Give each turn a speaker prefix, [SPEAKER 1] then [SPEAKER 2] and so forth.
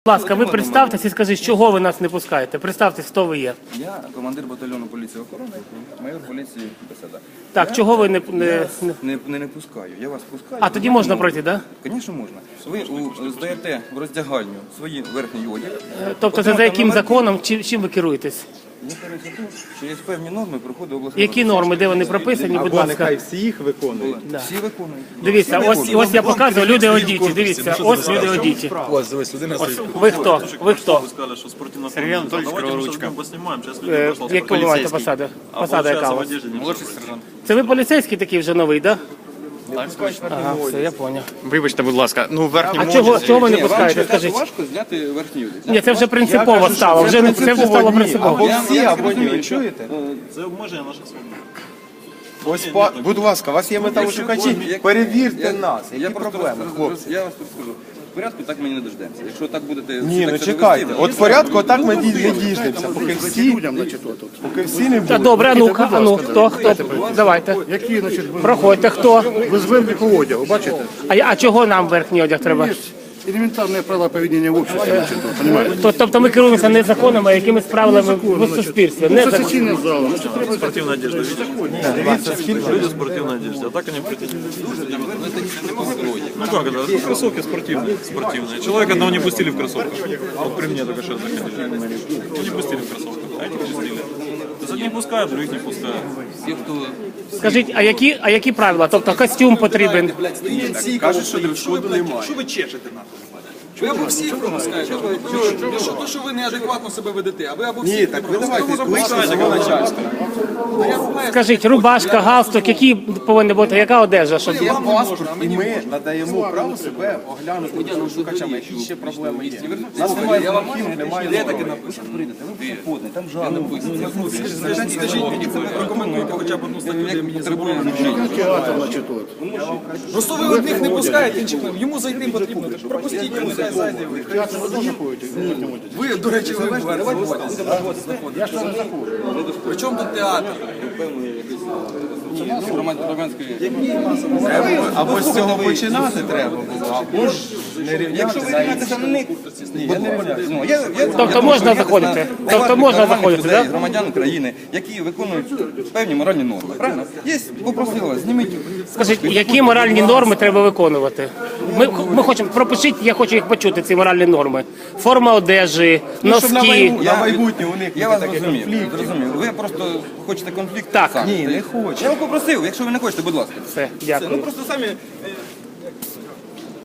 [SPEAKER 1] Будь ласка, ви представтесь і скажіть, чого ви нас не пускаєте? Представтесь, хто ви є.
[SPEAKER 2] Я командир батальйону поліції охорони, майор поліції Беседа.
[SPEAKER 1] Так, чого ви не
[SPEAKER 2] пускаю, я вас пускаю.
[SPEAKER 1] А тоді можна пройти, так?
[SPEAKER 2] Звісно, можна. Ви здаєте в роздягальню свої верхній одяг.
[SPEAKER 1] Тобто це за яким законом, чим ви керуєтесь?
[SPEAKER 2] Я кажу, що є певні норми проходу обласного.
[SPEAKER 1] Які норми, де вони прописані, будь ласка?
[SPEAKER 3] Нехай всі їх виконують.
[SPEAKER 2] Всі виконують.
[SPEAKER 1] Дивіться, ось я показую, люди одіті, дивіться, ось люди одіті. Ви хто? Ви хто?
[SPEAKER 4] Сергей Анатольевич Криворучка.
[SPEAKER 1] Яку ви маєте посаду? Посада яка у вас?
[SPEAKER 4] Молодший сержант.
[SPEAKER 1] Це ви поліцейський такий вже новий, так? Ага, все, я зрозумів.
[SPEAKER 4] Вибачте, будь ласка, ну верхній
[SPEAKER 1] А чого ви не пускаєте, скажіть?
[SPEAKER 2] Важко зняти верхній одяг.
[SPEAKER 1] Ні, це вже принципово стало, це вже стало принципово.
[SPEAKER 3] Або всі, або ні, ви чуєте?
[SPEAKER 4] Це обмеження наших свобод.
[SPEAKER 3] Ось, будь ласка, у вас є металошукачі, перевірте нас. Які проблеми, хлопці?
[SPEAKER 2] Я вас тут скажу. В порядку так ми не дождемося. Якщо так будете...
[SPEAKER 3] Ні, ну чекайте. От в порядку так ми не діждемося, поки всі не
[SPEAKER 1] Та
[SPEAKER 3] будуть.
[SPEAKER 1] добре, а ну, хто? Давайте.
[SPEAKER 5] Які, значить,
[SPEAKER 1] Проходьте, хто?
[SPEAKER 5] без верхнього одягу, бачите?
[SPEAKER 1] А чого нам верхній одяг треба?
[SPEAKER 5] Елементарне правила поведіння в обществі, значить, понимаєте?
[SPEAKER 1] Тобто ми керуємося не законами, а якимись правилами в суспільстві. Не законами.
[SPEAKER 5] Сесійний зал, значить, треба
[SPEAKER 4] Спортивная одежда, видишь? Люди в спортивной одежде, а так они претендуют. Ну как это? Ну, кроссовки спортивные. Человека одного не пустили в кроссовках. Вот при мне только что заходили. Не пустили в кроссовках, а этих пустили. То есть одних пускают, других не пускают.
[SPEAKER 1] Скажіть, а які правила? Тобто костюм потрібен?
[SPEAKER 3] Кажуть, що дрес-коду немає.
[SPEAKER 6] Що ви чешете нахуй? Ви або всіх пропускаєте, то, що ви неадекватно себе ведете, а ви або
[SPEAKER 3] Ні,
[SPEAKER 6] всіх
[SPEAKER 3] так ви давайте кличте свого начальства.
[SPEAKER 1] Скажіть, рубашка, галстук, які повинні бути, яка одежа? Щоб...
[SPEAKER 3] Є паспорт, і ми надаємо право себе оглянути металошукачами, які ще проблеми є. У нас немає замахів, немає норм.
[SPEAKER 2] Там жалоби.
[SPEAKER 6] Скажіть мені, це ви прокоментуйте хоча б одну статтю, де мені зробили.
[SPEAKER 5] театр, значить, от.
[SPEAKER 6] Просто ви одних не пускаєте, інших не. Йому зайти потрібно, так пропустіть йому, хай зайде.
[SPEAKER 5] Театр ви теж ходите в верхньому одязі?
[SPEAKER 6] Ви, до речі, ви
[SPEAKER 5] Я ж там не заходжу.
[SPEAKER 6] при чому тут театр?
[SPEAKER 3] Або з цього починати треба було, або ж не рівняти навіть. Ні, я не рівняюся.
[SPEAKER 1] Тобто можна заходити? Тобто можна заходити, так?
[SPEAKER 2] Громадян України, які виконують певні моральні норми. Правильно? Є, попросила, зніміть.
[SPEAKER 1] Скажіть, які моральні норми треба виконувати? Ми хочемо, пропишіть, я хочу їх почути, ці моральні норми. Форма одежі,
[SPEAKER 3] Щоб
[SPEAKER 1] носки.
[SPEAKER 3] на майбутнє у них
[SPEAKER 2] Я вас
[SPEAKER 3] таких
[SPEAKER 2] зрозумів.
[SPEAKER 3] конфліктів.
[SPEAKER 2] Зрозумів. Ви просто хочете конфлікт?
[SPEAKER 1] Так.
[SPEAKER 2] самі.
[SPEAKER 3] Ні, не хочу.
[SPEAKER 2] Я вас попросив, якщо ви не хочете, будь ласка.
[SPEAKER 1] Все,
[SPEAKER 2] Ну
[SPEAKER 1] дякую.
[SPEAKER 2] просто самі